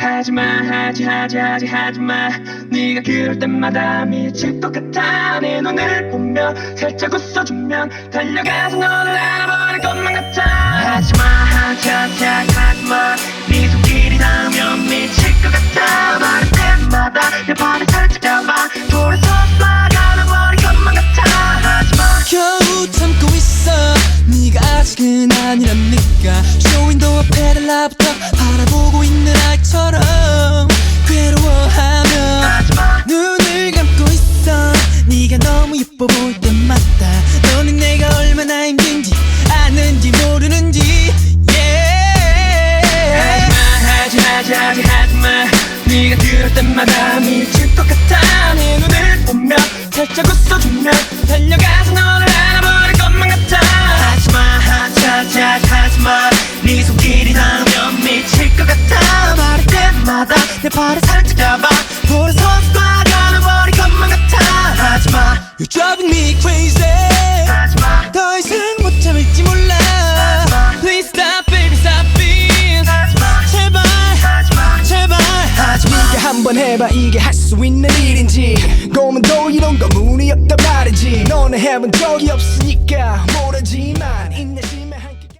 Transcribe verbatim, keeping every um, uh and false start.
하지마 하지 하지 하지 하지마. 네가 그럴 때마다 미칠 것 같아. 내 눈을 보면 살짝 웃어주면 달려가서 너를 알아버릴 것만 같아. 하지마 하지 하지 하지 하지마. 네 손길이 닿으면 미칠 것 같아. 말할 때마다 내 발을 살짝 잡아 돌아서 쏴가버릴 것만 같아. 하지마. 겨우 참고 있어. 네가 아직은 아니랍니까. 쇼윈도우 앞에 달라붙어 바라보고 있는 아이처럼 괴로워하며 하지마. 눈을 감고 있어. 네가 너무 예뻐 보일 때마다 너는 내가 얼마나 힘든지 아는지 모르는지 yeah. 하지 하지 하지 하지마. 네가 그럴 때마다 미칠 것 같아. 내 눈을 보면 살짝 웃어주면 달려가서 너를 알아버릴 것만 같아. 하지마 하지 하지 하지 하지마. 네 손길이 닿으면 미칠 것 같아. 말할 때마다 내 발을 살짝 잡아 돌아서 쏴가버릴 것만 같아. 하지마. You're driving me crazy. 하지마. 더 이상 못 참을지 몰라. Please stop baby stop it. 하지마. 제발 하지마. 제발 하지마. 네가 한번 해봐 이게 할 수 있는 일인지. 고문도 이런 거 문이 없단 말이지. 너는 해본 적이 없으니까 모르지만 인내